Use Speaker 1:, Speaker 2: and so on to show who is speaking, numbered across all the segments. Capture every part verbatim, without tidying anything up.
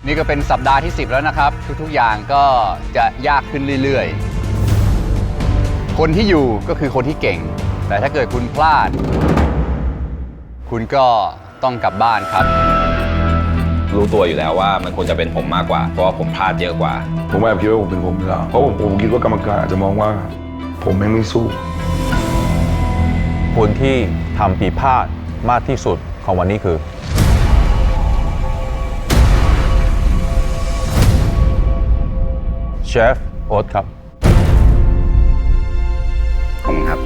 Speaker 1: นี่ก็เป็นสัปดาห์ที่สิบแล้วนะครับทุกๆอย่างก็จะยากขึ้นเรื่อยๆคนที่อยู่ก็คือคนที่เก่งแต่ถ้าเกิดคุณพลาดคุณก็ต้องกลับบ้านครับ
Speaker 2: รู้ตัวอยู่แล้วว่ามันควรจะเป็นผมมากกว่าเพราะว่าผมพลาดเยอะกว่า
Speaker 3: ผมแอบคิดว่าผมเป็นผมอยู่แล้วเพราะผมผมคิดว่ากรรมการอาจจะมองว่าผมแม่งไม่สู้
Speaker 4: คนที่ทำผิดพลาดมากที่สุดของวันนี้คือเชฟโอ๊ตครับ
Speaker 2: ผมครับ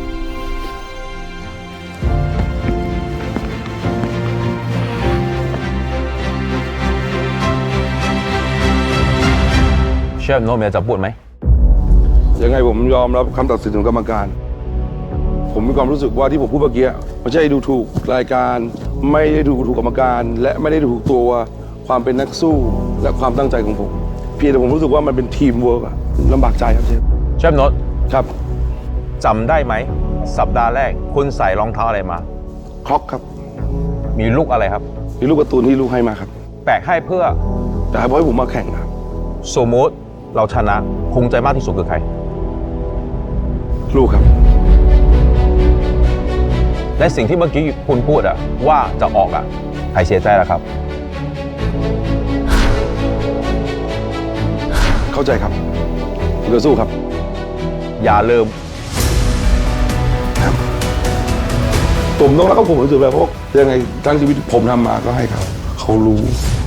Speaker 4: เชฟโน้ตมีอะไรจะพูดไหม
Speaker 3: ยังไงผมยอมรับคำตัดสินของกรรมการผมมีความรู้สึกว่าที่ผมพูดเมื่อกี้ไม่ใช่ดูถูกรายการไม่ได้ดูถูกกรรมการและไม่ได้ดูถูกตัวความเป็นนักสู้และความตั้งใจของผมเพียงแต่ผมรู้สึกว่ามันเป็นทีมเวิร์กอะลำบากใจครับเชฟ
Speaker 4: เชฟโน้ต
Speaker 3: ครับ
Speaker 4: จำได้ไหมสัปดาห์แรกคุณใส่รองเท้าอะไรมา
Speaker 3: คล็อกครับ
Speaker 4: มีลูกอะไรครับ
Speaker 3: มีลูกการ์ตูนที่ลูกให้มาครับ
Speaker 4: แปลกให้เพื่อ
Speaker 3: แต่ให้เพราะให้ผมมาแข่งครับ
Speaker 4: สมมติเราชนะภูมิใจมากที่สุดคือใคร
Speaker 3: ลูกครับ
Speaker 4: และสิ่งที่เมื่อกี้คุณพูดอะว่าจะออกอะใครเสียใจล่ะครับ
Speaker 3: เข้าใจครับผมจะสู้ครับ
Speaker 4: อย่าลืม
Speaker 3: ผมต้องรักเขาผมรู้สึกแบบเพราะยังไงทั้งชีวิตผมทำมาก็ให้เขาเขารู้